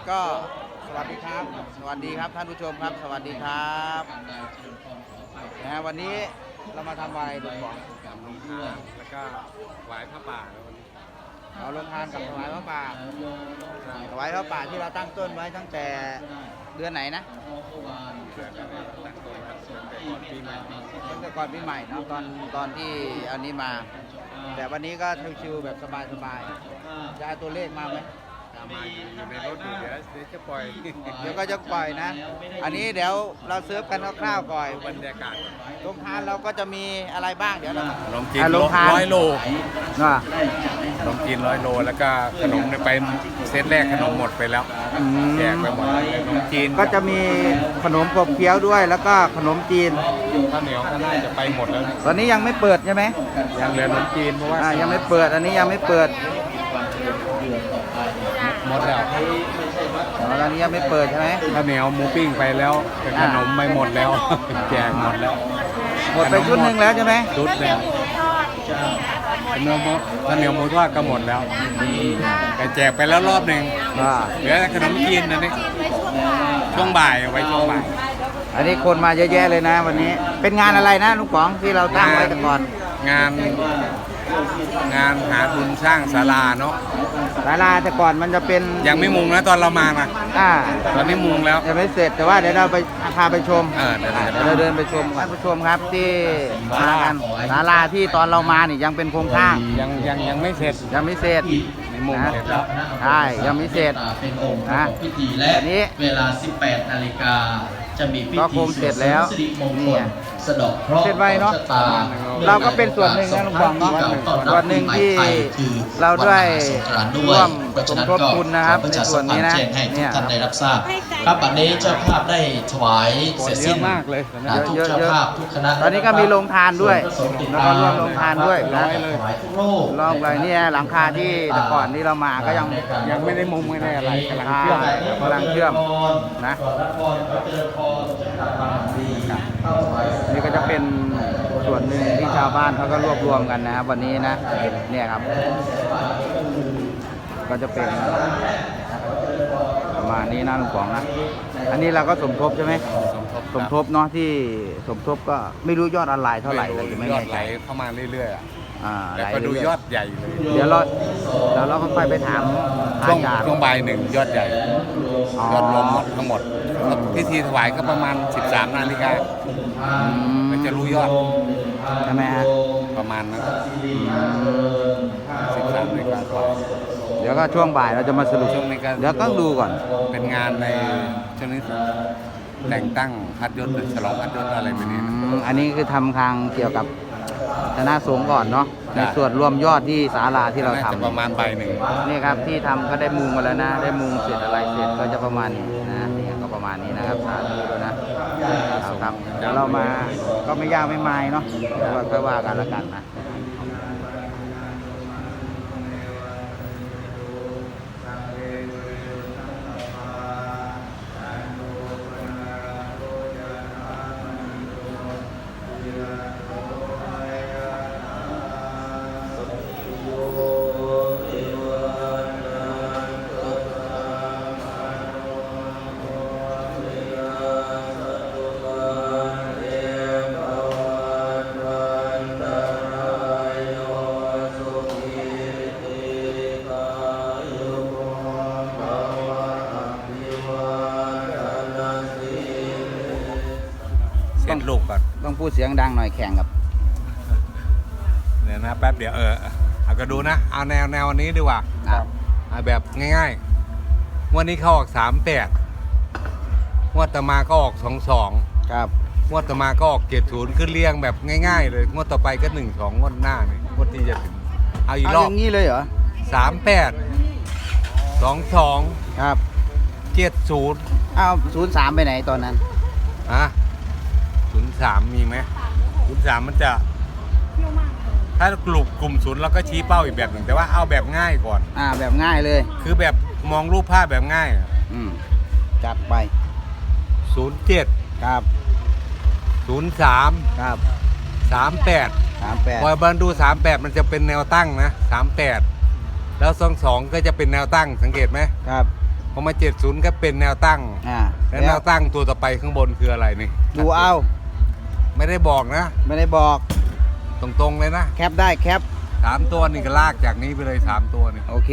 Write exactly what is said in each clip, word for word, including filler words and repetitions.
ก็สวัสดีครับสวัสดีครับท่านผู้ชมครับสวัสดีครับนะวันนี้เรามาทำอะไรลุงบอกแล้วก็ถวายพระป่าแล้ววันนี้เราลงทานกับถวายพระป่าถวายพระป่าที่เราตั้งต้นไว้ตั้งแต่เดือนไหนนะตั้งแต่ก่อนปีใหม่เนาะตอนตอนที่อันนี้มาแต่วันนี้ก็ชิวๆแบบสบายๆจะเอาตัวเลขมาไหมมาอยู่ในรถอยู่เดี๋ยวเดี๋ยวจะปล่อยเดี๋ยวก็จะปล่อยนะอันนี้เดี๋ยวเราเซิร์ฟกันคร่าวๆก่อนบรรยากาศโรงทานเราก็จะมีอะไรบ้างเดี๋ยวเราขนมจีนร้อยโลขนมจีนร้อยโลแล้วก็ขนมไปเซตแรกขนมหมดไปแล้วแจกไปหมดขนมจีนก็จะมีขนมกบเคี้ยวด้วยแล้วก็ขนมจีนข้าวเหนียวก็น่าจะไปหมดแล้วตอนนี้ยังไม่เปิดใช่ไหมยังเหลือขนมจีนเพราะว่ายังไม่เปิดอันนี้ยังไม่เปิดหมดแล้วตอนนี้ยังไม่เปิดใช่ไหมข้าวเหนียวหมูปิ้งไปแล้วแต่ขนมไม่หมดแล้วแจกหมดแล้วหมดไปชุดหนึ่งแล้วใช่ไหมชุดแล้วขนมข้าวเหนียวหมูทอดก็หมดแล้วแต่แจกไปแล้วรอบหนึ่งเหลือขนมจีนนะนี่ช่วงบ่ายไว้ช่วงบ่ายอันนี้คนมาเยอะแยะเลยนะวันนี้เป็นงานอะไรนะลุงป๋องที่เราตั้งไว้แต่ก่อนงานงานหาทุนสร้างศาลาเนาะศาลาแต่ก่อนมันจะเป็นยังไม่มุงนะตอนเรามานะอ่าตอนนี้มุงแล้วยังไม่เสร็จแต่ว่าเดี๋ยวเราไปพาไปชมเออเดี๋ยวเราเดินไปชมท่านผู้ชมครับที่มากันศาลาที่ตอนเรามานี่ยังเป็นโครงสร้างยังยังยังไม่เสร็จยังไม่เสร็จมุงเสร็จแล้วใช่ยังไม่เสร็จนะพิธีและเวลา สิบแปด นาฬิกาจะมีพิธีเสร็จแล้วนี่สะดอกเคราะห์เสร็จไวเนาะเราก็เป็นส่วนหนึ่งนะลุงบองเนาะส่วนหนึ่งที่เราด้วยร่วมสมทบทุนนะครับในส่วนนี้นะเนี่ยท่านได้รับทราบครับบัดนี้เจ้าภาพได้ถวายเสร็จสิ้นมากเลยทุกเจ้าภาพทุกคณะตอนนี้ก็มีโรงทานด้วยแล้วก็ร่วมโรงทานด้วยนะรอบไปนี่หลังคาที่แต่ก่อนที่เรามาก็ยังยังไม่ได้มุงไม่ได้อะไรกำลังเชื่อมกำลังเชื่อมนะนี่ก็จะเป็นส่วนหนึ่งที่ชาวบ้านเขาก็รวบรวมกันนะครับวันนี้นะเนี่ยครับก็จะเป็นประมาณนี้นะลุงป๋องนะอันนี้เราก็สมทบใช่ไหมสมทบเนาะที่สมทบก็ไม่รู้ยอดออนไลน์เท่าไหร่เลยไม่ยอดแน่ไหใจเข้ามาเรื่อยๆอ่ะแต่ก็ดูยอดใหญ่เลยเดี๋ยวเราเดี๋ยวเราก็ไปไปถามช่วงช่วงบ่ายหนึ่งยอดใหญ่ยอดรวมหมดทั้งหมดพิธีถวายก็ประมาณสิบสามนาฬิกามันจะรู้ยอดใช่ไหมฮะประมาณนั้นสิบสามนาฬิกาเดี๋ยวก็ช่วงบ่ายเราจะมาสรุปเดี๋ยวต้องดูก่อนเป็นงานในช่วงนี้แต่งตั้งพัดยศหรือฉลองพัดยศอะไรแบบนี้อันนี้คือทำทางเกี่ยวกับคณะสงฆ์ก่อนเนาะในส่วนรวมยอดที่ศาลาที่เราทำประมาณใบหนึ่งนี่ครับที่ทำก็ได้มุงมาแล้วนะได้มุงเสร็จอะไรเสร็จก็จะประมาณนี้นะนี่ก็ประมาณนี้นะครับสาธุด้วยนะครับเดี๋ยวเรามาก็ไม่ยากไม่ไม้เนาะค่อยว่ากันแล้วกันนะต้องลูกก่อนต้องพูดเสียงดังหน่อยแข่งกับเนี่ยนะแป๊บเดี๋ยวเออเอาก็ดูนะเอาแนวแนวนี้ดีกว่าเอาแบบง่ายๆวันนี้เขาออกสามแปดงวดต่อมาก็ออกสองสองครับงวดต่อมาก็ออกเจ็ดศูนย์ขึ้นเรียงแบบง่ายๆเลยงวดต่อไปก็หนึ่งสองงวดหน้าเนี่ยงวดที่จะถึงเอาอีกรอบอย่างนี้เลยเหรอสามแปดสองสองครับเจ็ดศูนย์เอาศูนย์สามไปไหนตอนนั้นฮะศูนย์สามมีไหมศูนย์สามมันจะถ้ากลุ่มกลุ่มศูนย์เราก็ชี้เป้าอีกแบบหนึ่งแต่ว่าเอาแบบง่ายก่อนอ่าแบบง่ายเลยคือแบบมองรูปภาพแบบง่ายอืมจัดไปศูนย์เจ็ดครับศูนย์สามครับสามแปดสามแปดพอบันดูสามแปดมันจะเป็นแนวตั้งนะสามแปดแล้วสองสองก็จะเป็นแนวตั้งสังเกตไหมครับพอมาเจ็ดศูนย์ก็เป็นแนวตั้งอ่าแล้วแนวตั้งตัวต่อไปข้างบนคืออะไรนี่ดูเอาไม่ได้บอกนะไม่ได้บอกตรงๆเลยนะแคปได้แคปสามตัวนี่ก็ลากจากนี้ไปเลยสามตัวนี่โอเค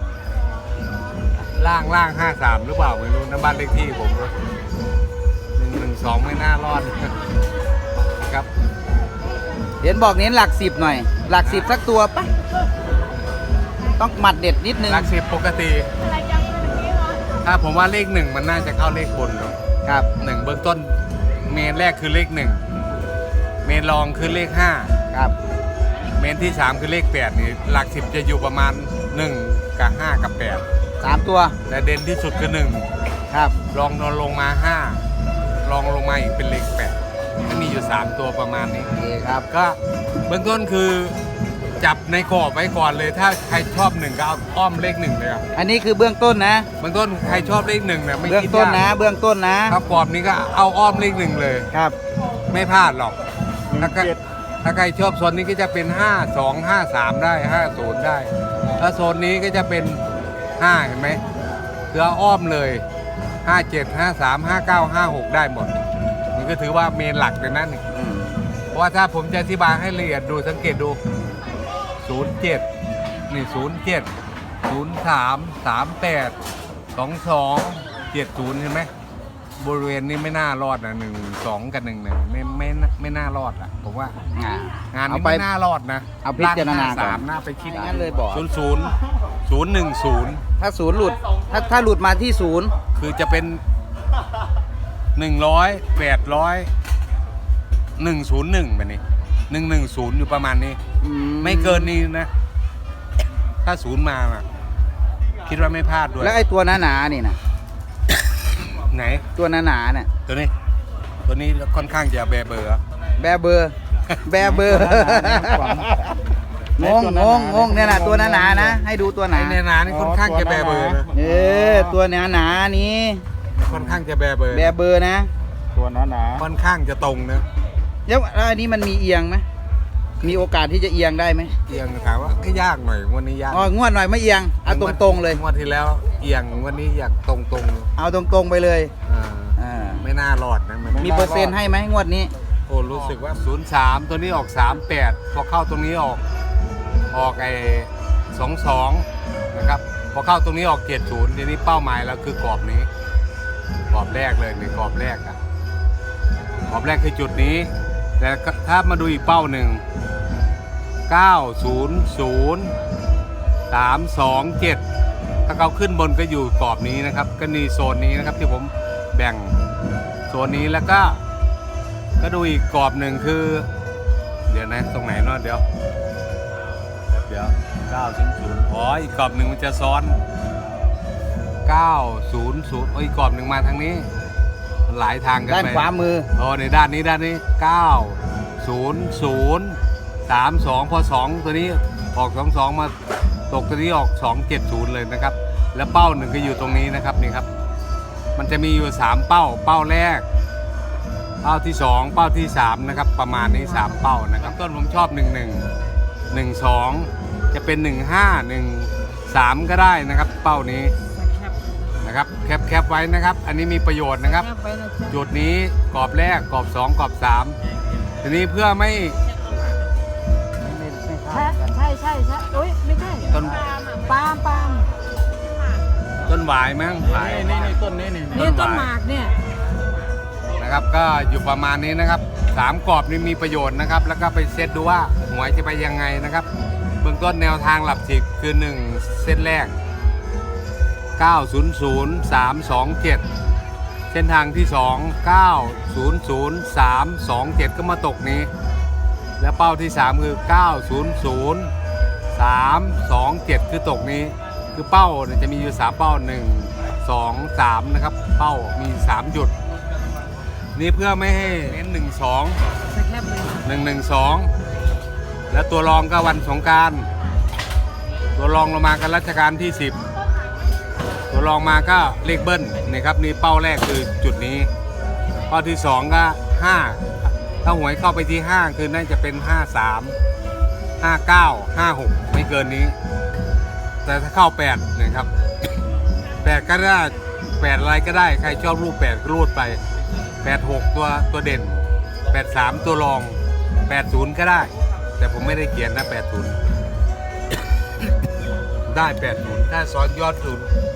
ล่างล่างห้าสามหรือเปล่าไม่รู้นะบ้านเลขที่ผมก็หนึ่งหนึ่งสองไม่น่ารอดครับเห็นบอกเน้นหลักสิบหน่อย หลักสิบสักตัวปะต้องหมัดเด็ดนิดนึงหลักสิบปกติ ถ้าผมว่าเลขหนึ่งมันน่าจะเข้าเลขบนเนอะครับหนึ่งเบื้องต้นเมนแรกคือเลขหนึ่งเมนรองคือเลขห้าครับเมนที่สามคือเลขแปดนี่หลักสิบจะอยู่ประมาณหนึ่งกับห้ากับแปดสามตัวแต่เด่นที่สุดคือหนึ่งครับรองนอนลงมาห้า รองลงมาอีกเป็นเลขแปดก็มีอยู่สามตัวประมาณนี้โอเคครับก็เบื้องต้นคือจับในกรอบไว้ก่อนเลย ถ้าใครชอบหนึ่งก็เอาอ้อมเลขหนึ่งเลยครับอันนี้คือเบื้องต้นนะเบื้องต้นใครชอบเลขหนึ่งเนี่ยไม่เบื้องคิดต้นยากนะ เบื้องต้นนะถ้ากรอบนี้ก็เอาอ้อมเลขหนึ่งเลยครับไม่พลาดหรอกถ้าใครถ้าใครชอบโซนนี้ก็จะเป็นห้า สอง ห้า สามได้ห้า ศูนย์ได้ถ้าโซนนี้ก็จะเป็นห้าเห็นไหมคือเอาอ้อมเลยห้า เจ็ด ห้า สาม ห้า เก้า ห้า หกได้หมดนี่ก็ถือว่าเมนหลักเลยนั่นนี่อืมเพราะว่าถ้าผมจะอธิบายให้ละเอียดดูสังเกตดู ศูนย์ เจ็ด นี่ ศูนย์ เจ็ด ศูนย์ สาม สาม แปด สอง สอง เจ็ด ศูนย์เห็นไหมบริเวณนี้ไม่น่ารอดนะหนึ่ง สอง กับหนึ่งเนี่ยไม่ไม่ไม่น่ารอดอ่ะผมว่าอ่างานเอานี้ไปไม่น่ารอดนะเอาพิจารณาก่อนสามหน้าไปคิดไม่งั้นเลยบอกศูนย์ศูนย์ศูนย์หนึ่งศูนย์ถ้าศูนย์หลุด ถ้าถ้าหลุดมาที่ศูนย์คือจะเป็นหนึ่งร้อยแปดร้อยหนึ่งศูนย์หนึ่งแบบนี้หนึ่งหนึ่งศูนย์อยู่ประมาณนี้อืไม่เกินนี้นะ ถ้าศูนย์มาน่ะคิดว่าไม่พลาดด้วยแล้วไอ้ตัวหนาๆนี่นะไหนตัวหนาๆเนี่ยตัวนี้ ตัวนี้ค่อนข้างจะแบเบอร์แบเบอร์ แบเบอร์ งงงงงงเนี่ยนะตัวหนาๆนะ ให้ดูตัวหนาไอ้เนนานี่ค่อนข้างจะแบเบอร์นะเออตัวหนาหนาๆนี้ค่อนข้างจะแบเบอร์แบเบอร์นะตัวหนาหนาค่อนข้างจะตรงนะแล้วแล้วอันนี้มันมีเอียงไหมมีโอกาสที่จะเอียงได้ไหมเอียงถามว่าก็ยากหน่อยวันนี้ยากอ๋องวดหน่อยไม่เอียงเอาตรงๆเลยงวดที่แล้วเอียงวันนี้อยากตรงตรงเอาตรงๆไปเลยๆอ่าอ่าไม่น่ารอดนะมันมีเปอร์เซ็นต์ให้ไหมงวดนี้โอ้รู้สึกว่า ศูนย์ สาม ตัวนี้ออก สาม แปด พอเข้าตรงนี้ออกออกไอ้สอง สองนะครับพอเข้าตรงนี้ออก เจ็ด ศูนย์ ทีนี้เป้าหมายเราคือกรอบนี้กรอบแรกเลยในกรอบแรกอะกรอบแรกคือจุดนี้ แต่ถ้ามาดูอีกเป้าหนึ่งเก้า ศูนย์ ศูนย์ สาม สอง เจ็ด ถ้าเขาขึ้นบนก็อยู่กรอบนี้นะครับ ก็นี่โซนนี้นะครับที่ผมแบ่งโซนนี้แล้วก็ก็ดูอีกกรอบหนึ่งคือ เดี๋ยวนะตรงไหนเนาะเดี๋ยวเดี๋ยวเก้า ศูนย์ ศูนย์อ๋ออีกกรอบหนึ่งมันจะซ้อนเก้า ศูนย์ ศูนย์โอ้ยอีกกรอบหนึ่งมาทางนี้มันหลายทางกันไปด้านขวามือโอ้ในด้านนี้ด้านนี้เก้า ศูนย์ ศูนย์ สาม สอง พอสองตัวนี้ออกสอง สองมาตกตัวนี้ออกสอง เจ็ด ศูนย์เลยนะครับแล้วเป้าหนึ่งก็อยู่ตรงนี้นะครับนี่ครับมันจะมีอยู่สามเป้าเป้าแรกเป้าที่สองเป้าที่สามนะครับประมาณนี้สามเป้านะครับต้นผมชอบหนึ่ง หนึ่ง หนึ่ง สองจะเป็นหนึ่ง ห้า หนึ่ง สามก็ได้นะครับเป้านี้นะครับแคปแคปไว้นะครับอันนี้มีประโยชน์นะครับจุดนี้กรอบแรกกรอบสองกรอบสามทีนี้เพื่อไม่ใช่ใช่ใช่ใช่โอ้ยไม่ใช่ต้นปาล์มปาล์มต้นหวายมั้งหวายนี่นี่ต้นนี้นี่นี่ต้นหมากเนี่ยนะครับก็อยู่ประมาณนี้นะครับสามกรอบนี้มีประโยชน์นะครับแล้วก็ไปเซตดูว่าหวยจะไปยังไงนะครับเบื้องต้นแนวทางหลับสิบคือหนึ่งเส้นแรกเก้า ศูนย์ ศูนย์ สาม สอง เจ็ดเส้นทางที่สองเก้า ศูนย์ ศูนย์ สาม สอง เจ็ดก็มาตกนี้และเป้าที่สามคือเก้า ศูนย์ ศูนย์ สาม สอง เจ็ดคือตกนี้คือเป้าเนี่ยจะมีอยู่สามเป้าหนึ่ง สอง สามนะครับเป้ามีสามจุดนี่เพื่อไม่ให้เน้นหนึ่ง สองสแคปเลยหนึ่ง หนึ่ง สองแล้วตัวรองก็วันสงกรานต์ตัวรองลงมากันรัชกาลที่สิบตัวรองมาก็เลขเบิ้ลนี่ครับนี่เป้าแรกคือจุดนี้เป้าที่สองก็ห้าถ้าหวยเข้าไปที่ห้าคือน่าจะเป็นห้า สาม ห้า เก้า ห้า หกไม่เกินนี้ แต่ถ้าเข้าแปดนะครับแปดก็ได้แปดอะไรก็ได้ใครชอบรูปแปดก็รูดไปแปดหกตัวตัวเด่นแปดสามตัวรองแปดศูนย์ก็ได้ แต่ผมไม่ได้เขียนนะแปดศูนย์ ได้แปดศูนย์ถ้าซ้อนยอดศูนย์